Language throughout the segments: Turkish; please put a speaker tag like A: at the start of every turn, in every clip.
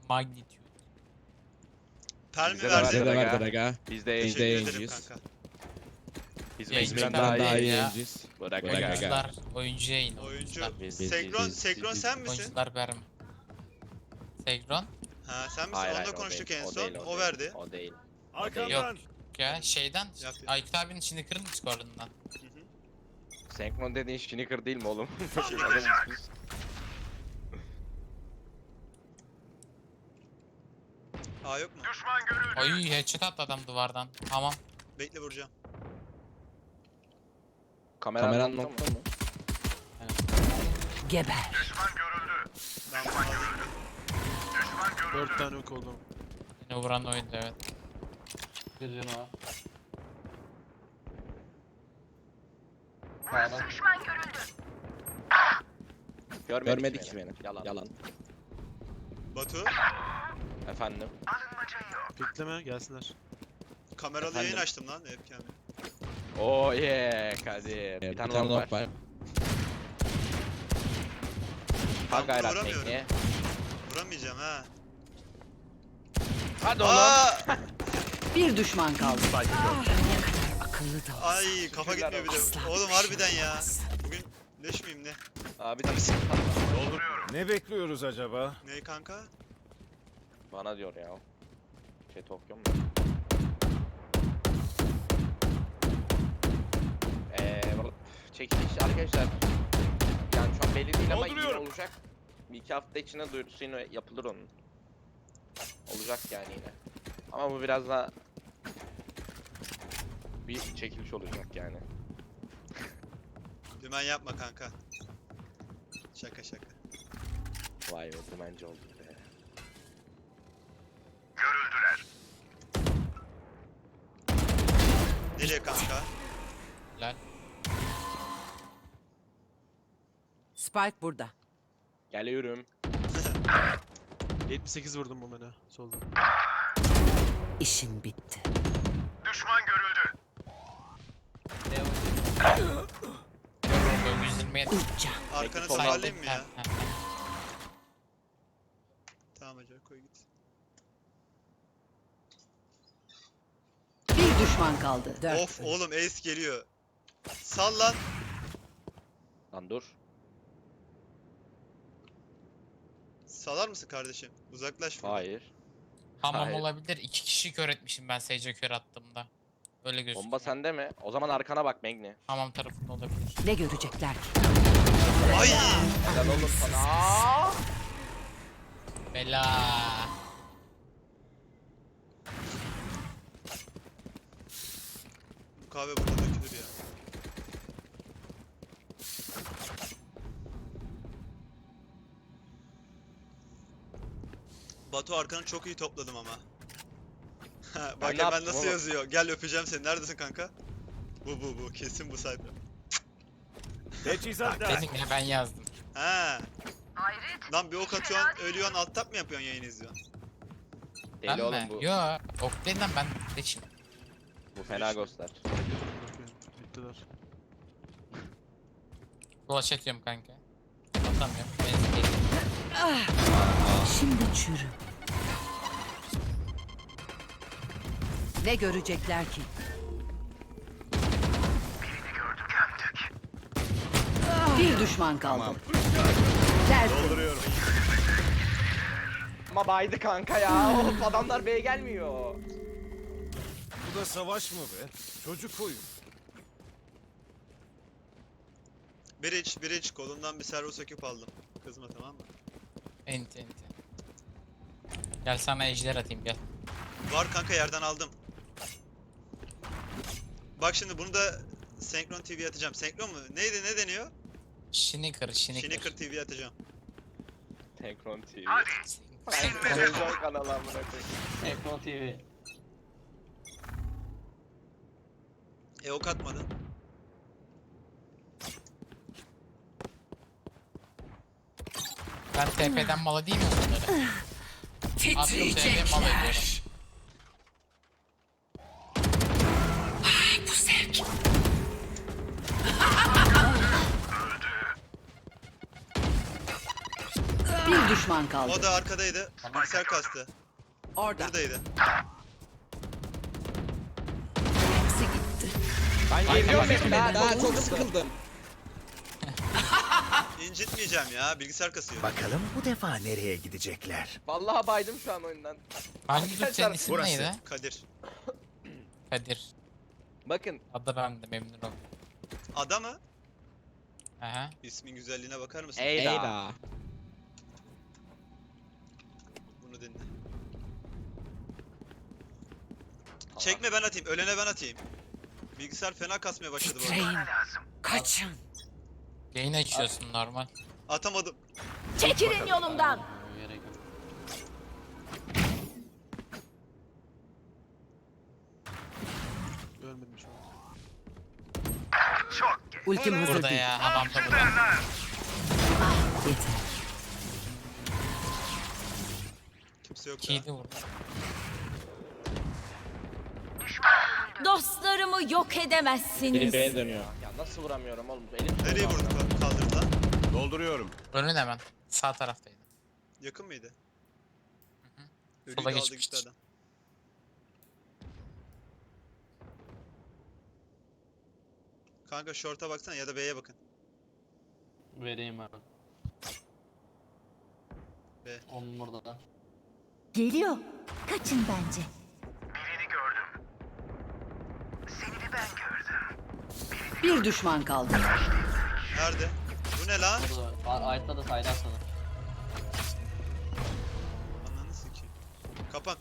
A: Magnitude.
B: Permi
C: Bize de
B: verdi.
C: verdi.
D: Bize de verdi aga.
C: Biz de
D: Biz
B: Teşekkür
D: de
B: ederim
D: yayıncıyız.
B: kanka.
C: Biz
A: Yayıncılar
C: mecburen
D: Daha iyi
A: ya.
D: yayıncıyız.
C: Bırak
D: Bırak
C: aga.
D: aga.
A: Oyuncular, oyuncu yayını.
B: Oyuncu.
A: Oyuncular,
D: Biz-
B: Sekron sen misin?
A: oyuncular verme. Segron?
B: Ha sen misin?
C: Hayır,
B: Onunla
C: hayır, o
B: konuştuk
C: değil,
B: en
C: o
B: son.
C: değil,
B: O
C: değil,
B: verdi.
C: O değil.
A: Yok ya şeyden.
B: Yap.
A: Aykut abinin içinde kırın Discord'undan.
B: Hı hı.
C: Senkron dediğin Şinikır değil mi oğlum?
B: Aa yok mu?
A: Oy headshot attı adam duvardan. Tamam.
B: Bekle vuracağım.
D: Kameran nokta mı?
E: Geber.
B: Ben bunu alayım.
F: 4 tane ok oldu.
A: Yine vuran oyundu evet.
G: Bir canı var. Sağdan.
D: Görmedik ki beni. Yalan.
B: Batu.
C: Efendim.
F: Bekleme gelsinler.
B: Kameralı
C: Efendim?
B: yayın açtım lan webcam'i.
C: Oh yeah Kadir. Bir tane long var.
B: Ben
C: Bak gayret
B: vuramıyorum.
C: tekniğe.
B: Vuramayacağım ha.
C: Hadi oğlum.
B: Aa!
E: Bir düşman kaldı. Ne kadar akıllı da olsa.
B: Ay kafa
C: Şükürler
B: gitmiyor bir de.
E: Asla
B: Oğlum
E: bir şey
B: harbiden ya.
E: olmaz.
B: Bugün leş miyim ne?
C: Abi tabii
H: Ne bekliyoruz acaba?
B: Ne kanka?
C: bana diyor ya. Şey Tokyo mu? Çekiliş arkadaşlar. Yani şu an belli değil ama iyi olacak. Bir iki hafta içinde duyurusu yine yapılır onun. Olacak yani yine. Ama bu biraz daha bir çekiliş olacak yani.
B: Dümen yapma kanka. Şaka şaka.
C: Vay be dümenci oldu be.
B: Nereye kanka?
A: Helal.
E: Spike burada.
C: Geliyorum.
F: 78 vurdum bu mene solda.
E: İşin bitti.
A: Böyle 120'ye
E: Uca.
B: Arkanı
C: Sol
B: toparlayayım mı
A: Ha,
B: ya?
A: ha.
B: Tamam hacı koy git.
E: Bir düşman kaldı. Dört.
B: Of oğlum ace geliyor. Sal lan.
C: Lan dur.
B: Salar mısın kardeşim? Uzaklaş. buradan.
C: Hayır.
A: Hamam
C: Hayır.
A: olabilir. 2 kişi kör etmişim ben Sage'e kör attığımda. Öyle gözüküyor.
C: Bomba sende mi? O zaman arkana bak Magni.
A: Hamam tarafında olabilir.
E: Ne görecekler ki?
B: Ay!
C: Helal oğlum sana.
A: Bela.
B: Bu kahve burada dökülür ya. Batu arkanı çok iyi topladım ama. Ha,
C: Ben
B: bak
C: ne
B: hemen
C: yaptım
B: nasıl
C: oğlum?
B: yazıyor. Gel öpeceğim seni. Neredesin kanka? Bu. Kesin bu sayfa.
H: Teçhizat lazım.
A: Dedim ya ben yazdım.
B: Ha. Lan bir ok atıyorsun, ölüyorsun, alt tab mı yapıyorsun yayın izliyorsun?
C: Deli
A: Ben
C: oğlum
A: mi?
C: bu.
A: Yo. Ok değil lan ben de şimdi.
C: Bu fena göster.
F: Bakıyorum. Bittiler.
A: Flash atıyorum kanka. Atamıyorum. Benzin geliyor.
E: Şimdi çürü. Ne görecekler ki? Bir düşman kaldı. Tertemiz.
H: Dolduruyorum.
C: Ama baydı kanka ya. Oğlum adamlar B'ye gelmiyor.
H: Bu da savaş mı be? Çocuk oyun.
B: Bridge kolundan bir servo söküp aldım. Kızma tamam mı?
A: Enti. Gel sana ejder atayım gel.
B: Var kanka yerden aldım. Bak şimdi bunu da Senkron TV atacağım. Senkron mu? Neydi ne deniyor?
A: Şinikır.
B: Şinikır TV atacağım.
C: Tenkron TV.
A: Senkron.
C: Televizyon kanalı amına koyayım.
G: Ekran TV.
B: Ok atmadın.
A: Ben TP'den mal değil mi bunları? Attım TP'den mal ediyorum.
E: Bu zevk. Bir Bir düşman kaldı.
B: O da arkadaydı. Bilgisayar kastı.
E: Orada.
B: Buradaydı.
E: Hepsi gitti.
D: Ben geliyorum daha çok sıkıldım.
B: İncitmeyeceğim ya. Bilgisayar kasıyor.
H: Bakalım bu defa nereye gidecekler?
C: Vallahi baydım şu an oyundan.
A: Hangi Türk senin ismin
H: Burası.
A: neydi?
B: Kadir.
A: Kadir.
C: Bakın
A: Adı ben de memnun oldum.
B: Ada mı?
A: Aha.
B: İsmin güzelliğine bakar mısın?
C: Eyda.
D: Eyda.
B: Bunu dinle. Çekme ben atayım. Ölene ben atayım. Bilgisayar fena kasmaya başladı bu arada.
E: Titreyin. Kaçın.
A: Yayın açıyorsun normal.
B: Atamadım.
E: Çekilin yolumdan.
G: Gerek yok.
F: Ölmedim şu an.
E: Ultim hazır
A: Burada
E: değil.
A: ya. Hamamda burada.
E: Yeter.
B: Kimse yok ya.
A: Kiydi vurdu.
E: Dostlarımı yok edemezsiniz.
D: B'ye dönüyor.
C: Ya nasıl vuramıyorum oğlum? Elim
B: Nereye vurduk kaldırdı lan?
H: Dolduruyorum.
A: Önün hemen. Sağ taraftaydı.
B: Yakın mıydı? Ölüyü
A: Sola
B: de aldı
A: geçmiştir.
B: gitti adam. Kanka short'a baksana ya da B'ye bakın.
G: Vereyim abi.
B: Be.
G: Onun burada da.
E: Geliyor. Kaçın bence. Bir düşman kaldı.
B: Nerede? Bu ne lan?
G: Burada Ayet'te de saydı sana.
B: Ananı sikeyim. Kapan.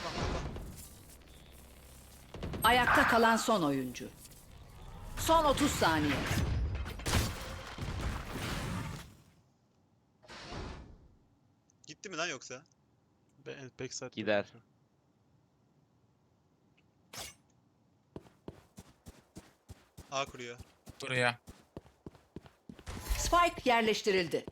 E: Ayakta kalan son oyuncu. Son 30 saniye.
B: Gitti mi lan yoksa?
F: Backside.
C: Gider.
B: A kuruyor.
A: Buraya.
E: Spike yerleştirildi.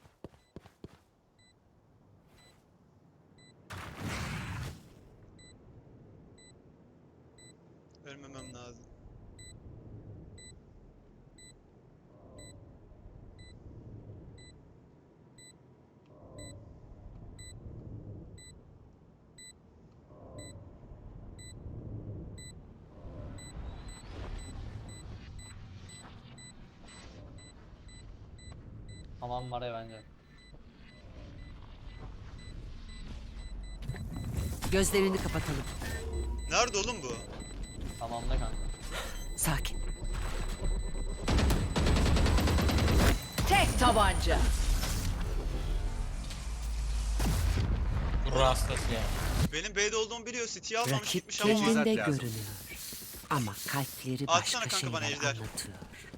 B: Ölmemem lazım.
G: Tamam var ya bence.
E: Gözlerini kapatalım.
B: Nerede oğlum bu?
G: Tamam da kanka.
E: Sakin. Tek tabanca.
A: Gurur hastası ya.
B: Benim B'de olduğumu biliyor. City'yi almamış
E: Rakip
B: gitmiş ama.
H: Teçhizat
E: kendinde
H: lazım.
E: görünüyor. Ama kalpleri
B: Atsana
E: başka
B: kanka bana
E: şeyler
B: ejder.
E: anlatıyor.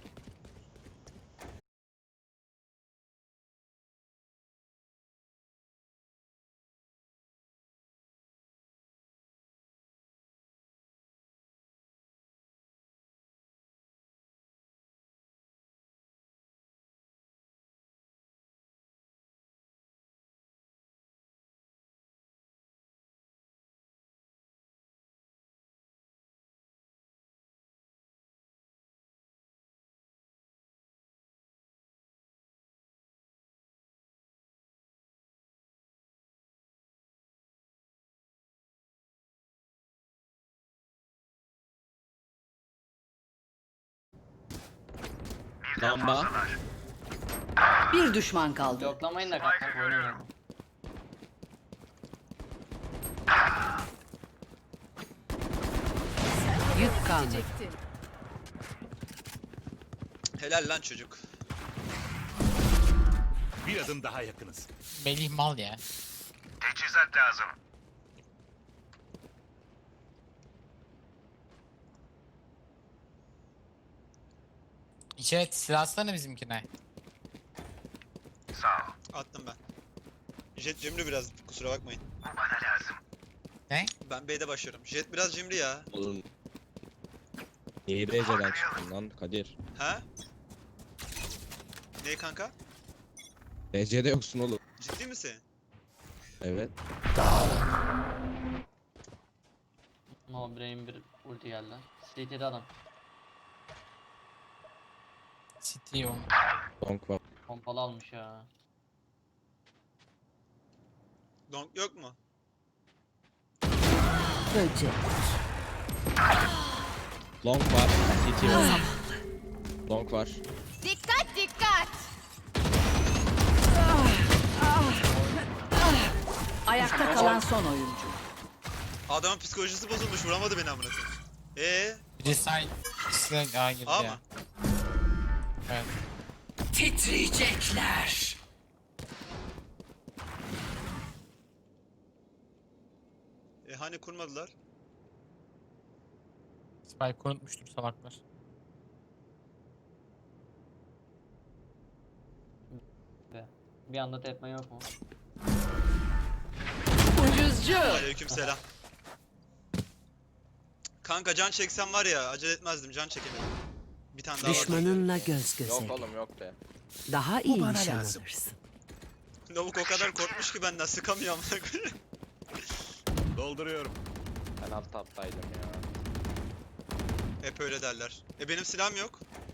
D: Lamba.
E: Bir düşman kaldı.
G: Yoklamayın da kanka. Oynayalım.
E: Yük kaldı.
B: Helal lan çocuk.
H: Bir adım daha yakınız.
A: Melih mal ya.
H: Teçhizat lazım.
A: İçeri silah atsana bizimkine.
B: Attım ben. Jet cimri biraz kusura bakmayın.
A: Ne?
B: Ben B'de başlıyorum. Jet biraz cimri ya.
D: Oğlum. Niye DC'den çıktın lan Kadir?
B: Ha? Ne kanka?
D: DC'de yoksun oğlum.
B: Ciddi misin?
D: Evet.
G: No brain bir ulti geldi. CT'de adam.
A: City o.
D: Donk var.
G: Pompalı almış ya.
B: Donk yok mu?
E: Böcek.
D: Long var. CT var. Long var.
I: Dikkat dikkat.
E: Ayakta kalan son oyuncu.
B: Adamın psikolojisi bozulmuş, vuramadı beni amına koyayım.
A: Biri side. İkisi de A girdi
B: A
A: ya.
B: mı?
A: Evet.
E: Titriyecekler.
B: Hani kurmadılar?
A: Spike unutmuştur salaklar.
G: Bir anda tepme yok mu?
E: Ucuzcu.
B: Aleykümselam. Kanka can çeksem var ya, acele etmezdim, can çekemedim. Bir tane daha var.
E: Düşmanınla göz göze.
C: Yok oğlum yok be.
E: Daha iyi
H: bana
E: nişan
H: lazım.
E: alırsın.
B: Lavuk o kadar korkmuş ki benden, sıkamıyor amına koyayım.
H: Dolduruyorum.
C: Ben alt taptaydım ya.
B: Hep öyle derler. Benim silahım yok.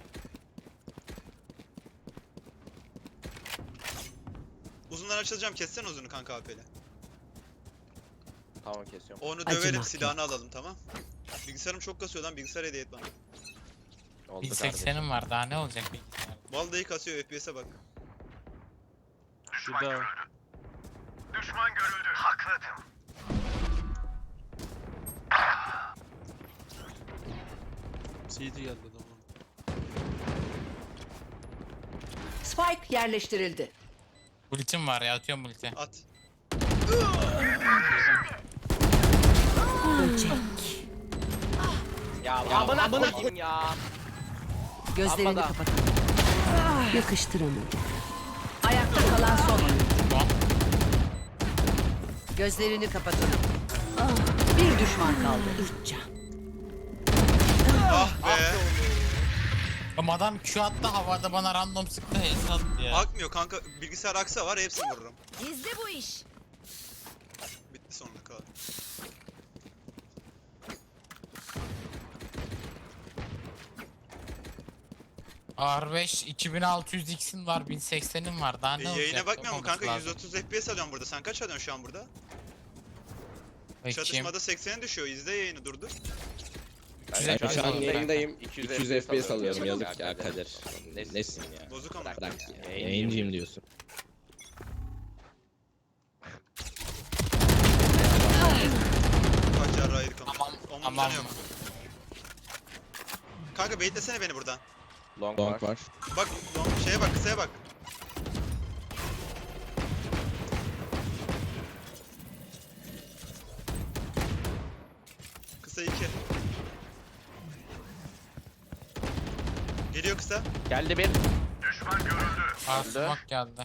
B: Uzundan açılacağım, kessene uzunu kanka AP'yle.
C: Tamam kesiyorum.
B: Onu
E: Acımak
B: döverim,
E: yok.
B: silahını alalım, tamam. Bilgisayarım çok kasıyor lan, bilgisayar hediye et bana.
C: Oldu kardeşim.
A: 1080'im var, daha ne olacak bilgisayar?
B: Vallahi kasıyor, FPS'e bak.
F: Bir daha. CD geldi adamın.
E: Spike yerleştirildi.
A: Ultim var ya, atıyorum ulti.
B: At.
E: Böcek.
C: Ya amına koyayım ya.
E: Gözlerini
C: Amma da.
E: kapatın. Yakıştıramadım. Ayakta kalan son oyuncu.
A: Tamam.
E: Gözlerini kapatın. Bir düşman kaldı. Üç can.
B: Ah be.
A: Ama adam Q attı, havada bana random sıktı, HS attı ya.
B: Akmıyor kanka, bilgisayar aksa var, hepsini vururum.
I: Gizli bu iş.
B: Bitti sonunda kadar.
A: R5 2600X'in var, 1080'in var, daha ne olacak?
B: Yayına bakmıyor mu
A: Olmaması
B: kanka?
A: lazım.
B: 130 FPS alıyorum burada. Sen kaç alıyorsun şu an burada?
A: Bakayım.
B: Çatışmada 80'e düşüyor. İzle yayını durdur.
C: Ben
D: şu an
C: yayındayım.
D: 200 FPS alıyorum. Yazık ya Kadir. Nesin ya?
B: Bozuk ama.
D: Bırak ya. Yayıncıyım diyorsun.
B: Kaç yarrağı yedik ama.
A: Aman,
B: Onun
A: aman
B: canı yok.
A: mı?
B: Kanka baitlesene beni buradan.
C: Long
D: Long
C: var.
D: var.
B: Bak şeye bak, kısaya bak. Kısa 2. Geliyor kısa.
C: Geldi bir.
A: Aa, smoke geldi.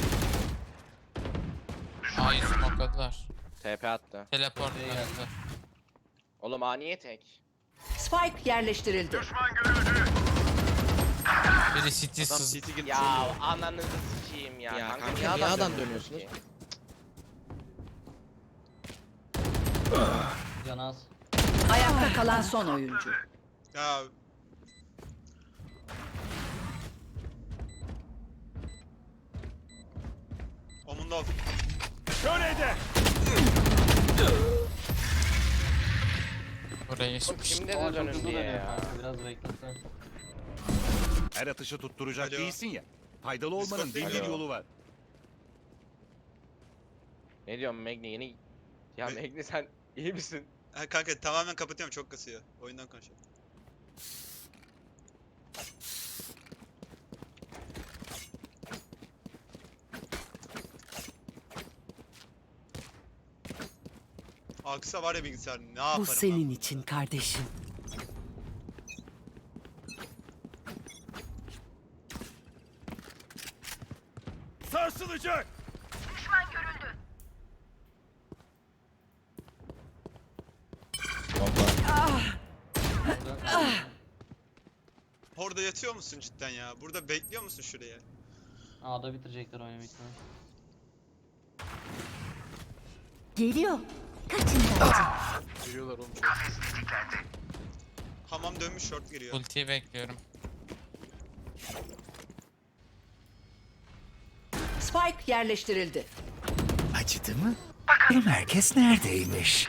A: Hayır, smokeladılar.
C: TP attı.
A: Teleport geldi.
C: Oğlum niye tek?
E: Spike yerleştirildi.
A: Biri city
F: Adam
A: sız.
F: CT girdi.
C: Ya ananızı sikeyim ya.
D: Ya kanka,
C: niye
D: niye adam
C: dönüyorsunuz
D: dönüyorsunuz?
C: ki?
G: Canaz.
E: Ayakta kalan son oyuncu.
B: Ya Omunda of.
H: Şöyle
A: Burayı
C: Oğlum kimde
G: Aa,
C: de
G: çok
C: dönün
G: hızlı
C: diye
G: dönüyor
C: ya.
G: kanka, biraz beklesen.
H: Her atışı tutturacak
B: Alo.
H: değilsin ya. Faydalı olmanın
B: Discord
H: bin
B: değil
H: bir
C: mi?
H: yolu var.
C: Ne diyorsun Magni yeni... Ya
B: Me-
C: Magni sen iyi misin?
B: Ha, kanka tamamen kapatıyorum, çok kasıyor. Oyundan konuşuyorum. Aksa var ya bilgisayar, ne yaparım
E: Bu
B: ben
E: senin
B: bunu?
E: için kardeşim.
H: Sarsılacak.
D: Long var.
B: Orada yatıyor musun cidden ya? Burada bekliyor musun şuraya?
G: A'da bitirecekler oyunu bitmez.
I: Geliyor. Kaçın bence.
F: Giriyorlar oğlum çok.
B: Hamam dönmüş, short giriyor.
A: ultiyi bekliyorum.
E: Spike yerleştirildi.
H: Acıdı mı? Herkes neredeymiş?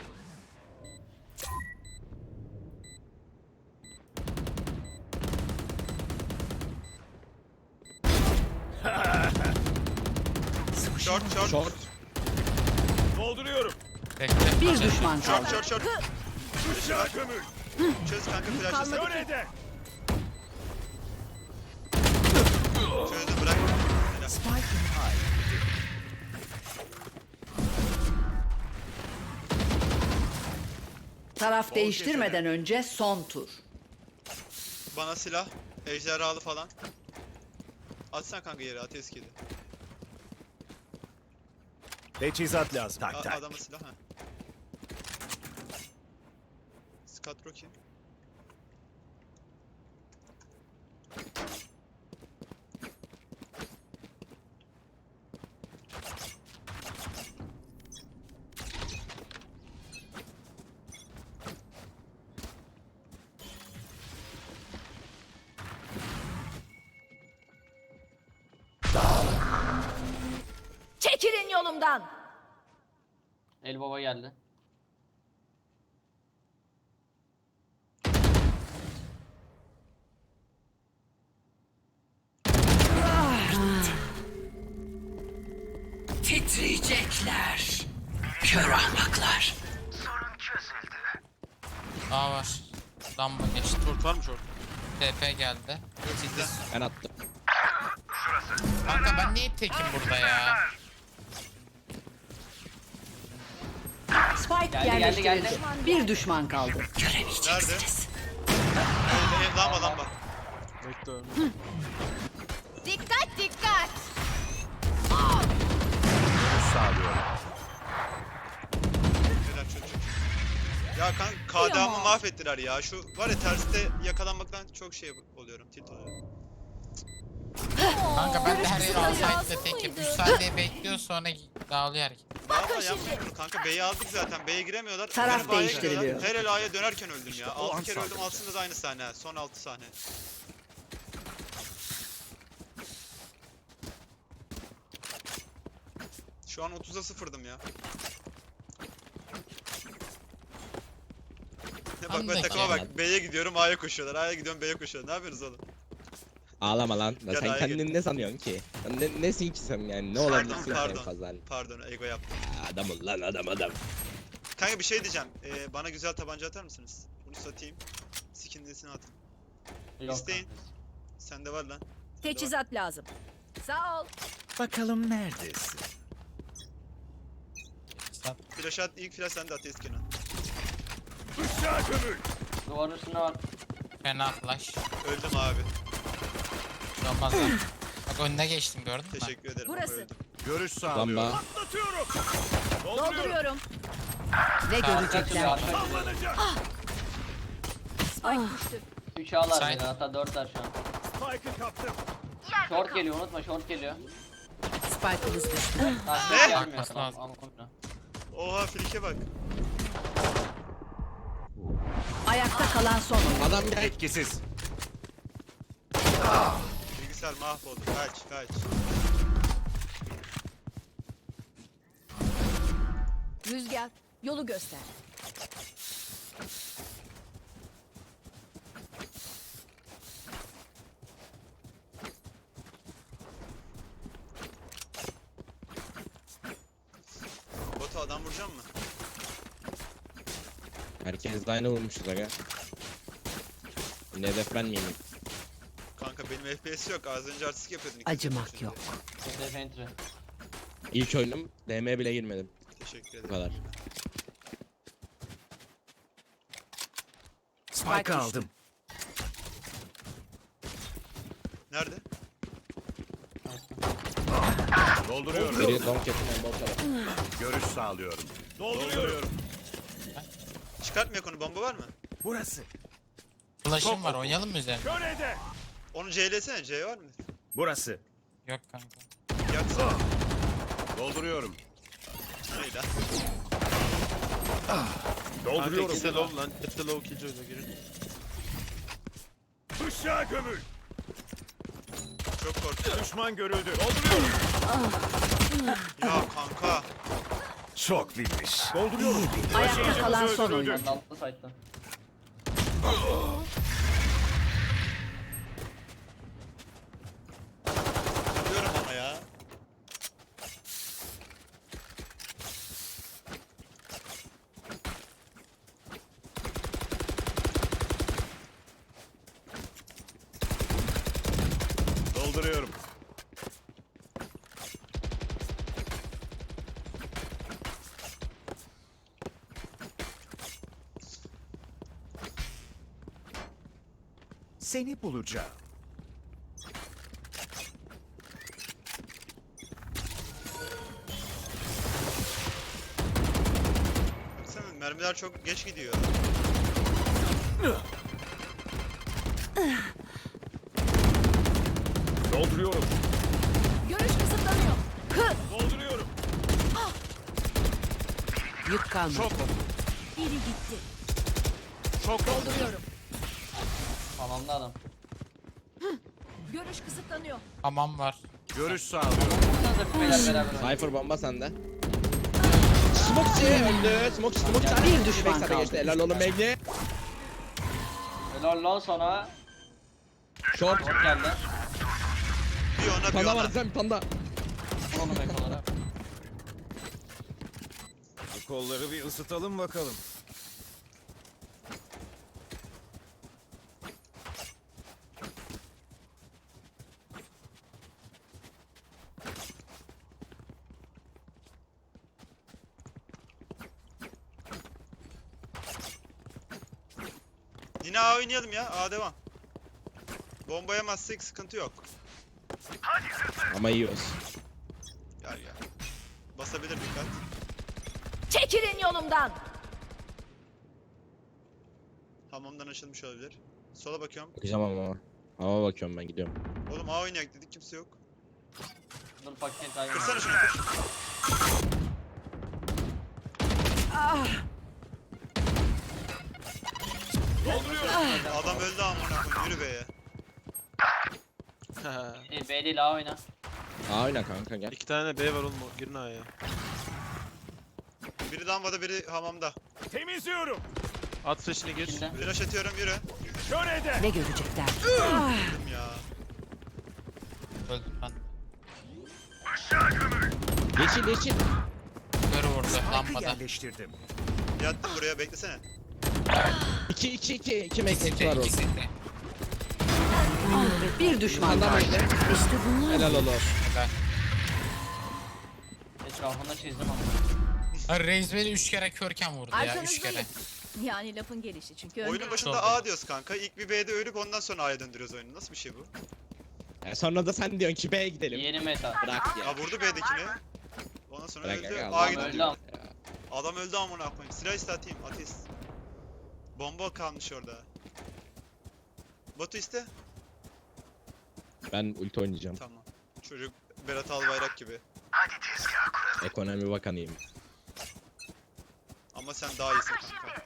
B: Short short.
D: Short.
H: Dolduruyorum.
A: Bekle.
E: Bir düşman kaldı.
B: Short short short.
H: Bıçağı gömül.
B: Çöz kanka flash'ı.
H: Nerede?
B: Çözdü bırak. Helal.
E: Taraf değiştirmeden önce son tur.
B: Bana silah. Ejderhalı falan. Atsan kanka yere at eskidi.
H: Teçhizat lazım. Tak tak.
B: Adama silah ha. Scott Rocky.
I: Çekilin yolumdan.
G: El baba geldi.
E: Titriyecekler. Kör ahmaklar.
A: A var. Lamba geçti.
F: Short var mı short?
A: TP geldi.
D: Ben attım.
A: Kanka ben niye tekim burada ya?
E: Spike
G: Geldi,
E: yerleştirildi.
G: geldi.
E: Bir düşman kaldı.
B: Nerede? Lamba.
F: Bekle ölme.
I: Dikkat dikkat.
H: Sağlıyorum.
B: Helal çocuk. Ya kanka KDA'mı mahvettiler ya. Şu var ya terste yakalanmaktan çok şey oluyorum. Tilt oluyorum.
A: Kanka ben de her yeri alsaydı tekim. 3 saniye bekliyor sonra dağılıyor herkes.
B: Valla yapmayın bunu kanka. B'yi aldık zaten. B'ye giremiyorlar.
E: Taraf
B: Dönüp A'ya
E: değiştiriliyor.
B: gidiyorlar. Her el A'ya dönerken öldüm ya.
H: O
B: 6
H: an
B: kere öldüm.
H: saldıracak.
B: Altında da aynı sahne. Ha. Son 6 sahne. Şu an 30'a 0'dım ya. Bak ben
A: Andaki
B: takıma bak.
D: adam.
B: B'ye gidiyorum A'ya koşuyorlar. A'ya gidiyorum B'ye koşuyorlar. Ne yapıyorsunuz oğlum?
D: Ağlama lan.
B: Gel
D: Sen
B: ayağa
D: kendini ne sanıyorsun ki? Sen nesin ki sen yani? Ne olabilirsin ki en
B: Pardon.
D: fazla? Hani?
B: Pardon ego yaptım.
D: Adam ol lan adam.
B: Kanka bir şey diyeceğim. Bana güzel tabanca atar mısınız? Bunu satayım. Skinlisini atın.
G: Yok
B: İsteyin.
G: kanka.
B: Sende var lan.
I: Teçhizat lazım. Sağ ol.
H: Bakalım neredesin?
B: Flash at. İlk flash sende at Kenan.
H: Bıçağı gömül.
G: Duvarın üstünde var.
A: Fena flash.
B: Öldüm abi.
A: Olmaz lan. Bak önüne geçtim gördün mü?
B: Teşekkür ederim. ama
I: Burası.
B: öldüm.
H: Görüş sağlıyorum.
D: Lamba.
H: Atlatıyorum.
I: Dolduruyorum.
E: Ne
G: Arka
E: görecekler?
G: açılıyor, arka açılıyor.
H: Sallanacak.
I: Spike düştü.
G: 3 A'lar
A: Side.
G: beni, hatta 4'ler şu an.
H: Spike'ı kaptım.
G: Short geliyor, unutma short geliyor.
E: Spike'ımız düştü.
G: Tamam,
B: Ne?
G: gelmiyor.
A: Bakması
G: Tamam,
A: lazım.
G: ama komple.
B: Oha frike bak.
E: Ayakta kalan son oyun.
D: Adam gel.
H: Etkisiz.
B: Bilgisayar mahvoldu. Kaç.
I: Rüzgar yolu göster.
B: Botu adam vuracağım mı?
D: Herkes de aynı vurmuşuz aga. Yine hedef ben miyim?
B: Kanka benim FPS yok. Az önce artistik yapıyordun.
E: Acımak
B: Şimdi.
E: yok.
G: Safe entry.
D: İlk oyunum DM bile girmedim.
B: Teşekkür
D: Bu
B: ederim.
D: kadar.
H: Spike aldım.
B: Nerede?
H: Dolduruyorum.
D: Biri donk yapın en bol tarafı.
H: Görüş sağlıyorum. Dolduruyorum.
B: Çıkartmıyor konu. Bomba var mı?
H: Burası.
A: Flash'ım var oynayalım mı üzerine?
H: Körede.
B: Onu C'lesene. C var mı?
H: Burası.
A: Yok kanka.
B: Yaksana.
H: Dolduruyorum.
B: Ne lan?
F: Kanka ikisi de low lan. Hep de low killjoy'la girin.
H: Bıçağı gömül.
B: Çok korktum.
H: Düşman görüldü. Dolduruyorum.
B: Ya kanka.
H: Çok bilmiş. Dolduruyorum.
E: Ayakta kalan son oyuncu.
G: Ben de altta site'da.
B: Diyorum ama ya.
H: Dolduruyorum. Seni bulacağım.
B: Baksana mermiler çok geç gidiyor.
H: Dolduruyorum.
I: Görüş kısıtlanıyor.
H: Dolduruyorum.
E: Yük kalmadı.
H: Çok
I: Biri gitti.
H: çok
I: Dolduruyorum.
G: Tamamda adam.
I: Görüş kısıtlanıyor.
A: Hamam var.
H: Görüş sağlıyorum.
G: Burada beyler beraber.
D: Cypher bomba sende. Smokçi öldü. Smokçi tane.
E: Bir düşman
D: Backside'e
E: kaldı.
D: geçti. Helal oğlum Megli.
G: Helal lan sana.
D: Short.
G: Short geldi.
B: Bir ona bir
D: Panda
B: ona.
D: var sen panda.
G: Onu ekolara.
H: Bu kolları bir ısıtalım bakalım.
B: Yine A oynayalım ya. A devam. Bomba yemezsek sıkıntı yok.
D: Ama yiyoruz.
B: Gel gel. Basabilir dikkat.
I: Çekilin yolumdan.
B: Hamamdan açılmış olabilir. Sola bakıyorum.
D: Bakacağım ama. Ama bakıyorum ben gidiyorum.
B: Oğlum A oynayak dedik kimse yok.
G: Dur paket ayı.
B: Kırsana şunu kır. Adam öldü amına koyayım yürü be ya.
G: B değil A oyna.
D: Aa oyna kanka gel.
F: 2 tane B var oğlum. Girin A'ya.
B: Biri lambada biri hamamda.
H: Temizliyorum.
F: At flash'ini gir.
G: İçinde.
B: Flash atıyorum yürü.
H: Kör eder.
E: Ne görecekler?
B: Öldüm ya.
A: Öldüm ben.
D: Yeşil yeşil.
A: Körü vurdu
H: Spike'ı
A: lambada.
H: yerleştirdim.
B: Yattım buraya beklesene.
D: 2 mekteçi var
A: İki
D: orada.
A: seti.
E: Bir düşman
D: Panda
E: kaldı.
D: bekle.
E: İşte bunlar.
D: Helal olur.
A: Helal.
G: Etrafında çizdim ama.
A: Ha, Reis beni 3 kere körken vurdu ya 3 kere.
I: Arkanızdayım. Yani lafın gelişi çünkü
B: Oyunun
I: önde.
B: başında A diyoruz kanka. İlk bir B'de ölüp ondan sonra A'ya döndürüyoruz oyunu. Nasıl bir şey bu?
D: Sonra da sen diyorsun ki B'ye gidelim.
G: Yeni meta.
D: Bırak ya.
B: Ya vurdu B'dekini. Ondan sonra
D: Bırak
B: öldü.
D: ya,
B: A'ya
D: adam
B: gidin
G: öldü
B: diyor.
G: ama.
B: Adam öldü amına koyayım. Silah iste atayım. Ateist. Bomba kalmış orada. Batu iste.
D: Ben ulti oynayacağım.
B: Tamam. Çocuk Berat Albayrak gibi.
D: Ekonomi bakanıyım.
B: Ama sen daha iyisin kanka.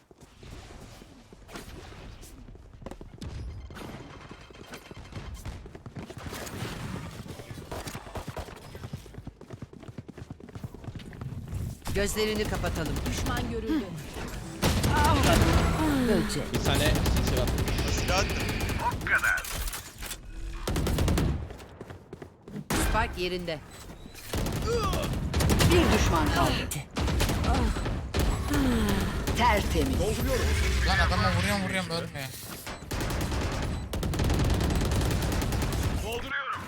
E: Gözlerini kapatalım.
I: Düşman görüldü.
E: Böcek.
D: Bir tane sisi var.
B: Silah attım.
E: Spike yerinde. Bir düşman kaldı. Tertemiz.
A: Lan adama vuruyorum ölmüyor.
H: Dolduruyorum.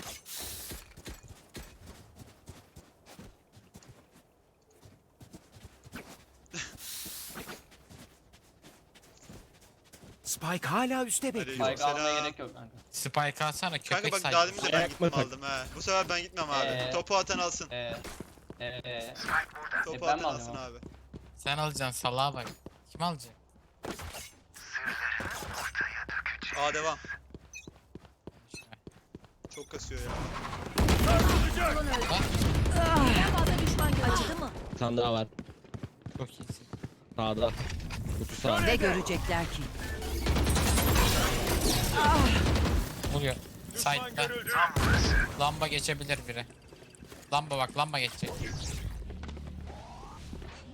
H: Spike hala üstte bekliyor.
G: Spike almaya
B: Selam.
G: gerek yok kanka.
A: Spike alsana
B: Kanka
A: köpek
B: bak
A: saygı.
B: daha demin de ben
D: Ayak
B: gittim
D: mı?
B: aldım he. Bu sefer ben gitmem abi. Topu atan alsın. Topu
G: ben
B: atan
G: mi
B: alsın
G: alayım
B: abi.
A: Sen alacaksın salağa bak. Kim alacak?
B: A devam. Çok kasıyor ya.
I: Ulan öldü. Birden fazla düşman görüldü. Acıdı mı?
D: Bir tane daha var.
A: Çok iyisin.
D: Sağda. Kutu sağ.
E: Ne görecekler ki?
A: Vuruyor. Side'da. Lamba geçebilir biri. Lamba bak lamba geçecek.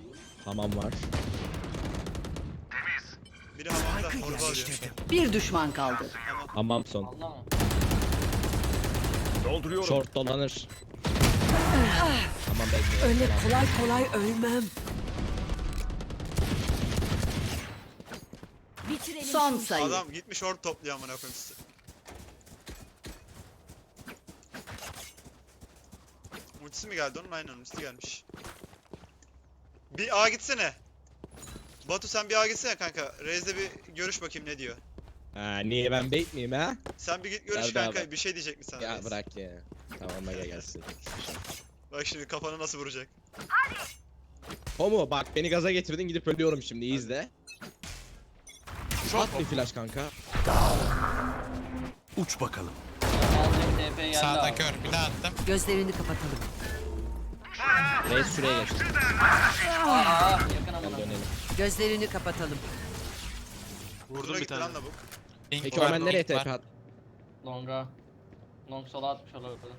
D: Hamam var.
B: Biri hamamda torba alıyor.
E: Bir düşman kaldı.
D: Hamam son.
G: Anladın mı?
H: Dolduruyorum.
D: Short dolanır. Tamam bekle.
E: Öyle kolay kolay ölmem.
I: Bitirelim
E: Son
I: şu
E: sayı.
B: Adam gitmiş orb topluyor amına koyayım sizi. Ultisi mi geldi onun? Aynen ultisi gelmiş. Bir A gitsene. Batu sen bir A gitsene kanka. Reis'le bir görüş bakayım ne diyor.
D: Ha, niye ben bait miyim ha?
B: Sen bir git görüş
D: Nerede
B: kanka.
D: abi?
B: Bir şey diyecek mi sana
D: Ya
B: Reis?
D: bırak ya. Tamam aga gelsin.
B: Bak şimdi kafanı nasıl vuracak.
D: Homo bak beni gaza getirdin gidip ölüyorum şimdi iyi izle. At bir flash kanka.
H: Uç bakalım.
G: Aldım TP geldi
A: Sağda
G: abi.
A: kör. Bir daha attım.
E: Gözlerini kapatalım.
D: Reis şuraya geç.
G: Aa yakın amına.
D: Dönelim.
E: Gözlerini kapatalım.
F: Vurdum
B: Buna
F: bir
B: gitti
F: tane.
B: lan lavuk.
A: Link
D: Peki
A: var,
D: Omen nereye
A: link var.
D: TP at?
G: Longa. Long sola atmış olabilir.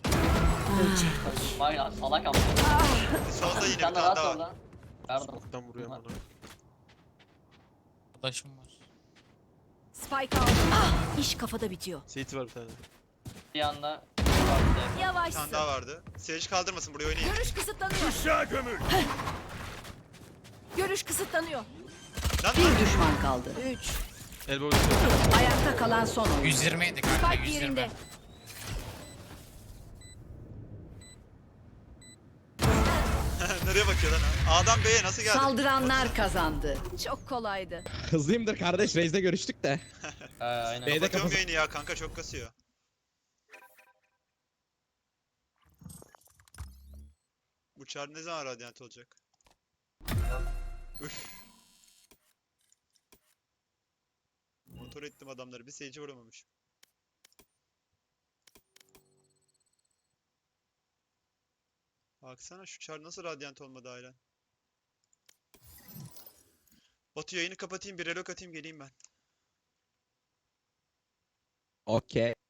G: Vay ya salak ama.
B: Solda yine bir
G: Sen de
B: tane
G: rahat
B: daha var.
G: orada. Pardon.
F: Smoke'tan vuruyor bana.
A: Arkadaşım var.
I: Spike aldım. İş kafada bitiyor.
F: CT var bir tane.
G: Bir anda.
B: Bir
I: Yavaşsın.
B: tane daha vardı. Sage kaldırmasın buraya oynayın.
I: Görüş kısıtlanıyor.
H: Aşağı gömül.
I: Görüş kısıtlanıyor.
B: Lan
E: Bir düşman kaldı.
I: 3.
F: Elbow üstü.
E: Ayakta kalan son oyun.
A: 120 ydi kanka.
I: Spike
A: 120.
I: yerinde.
B: nereye bakıyor lan ha? A'dan B'ye nasıl geldi?
E: Saldıranlar kazandı.
I: Çok kolaydı.
D: Hızlıyımdır kardeş Reis'le görüştük de.
G: Aynen.
D: B'de
B: Kapatıyorum
D: kafası.
B: yayını ya kanka çok kasıyor. Bu çar ne zaman radyant olacak? Üf. Motor ettim adamları. Bir Sage'e vuramamışım. Baksana şu çar nasıl radyant olmadı hala. Batu yayını kapatayım bir relok atayım geleyim ben.
D: Okey.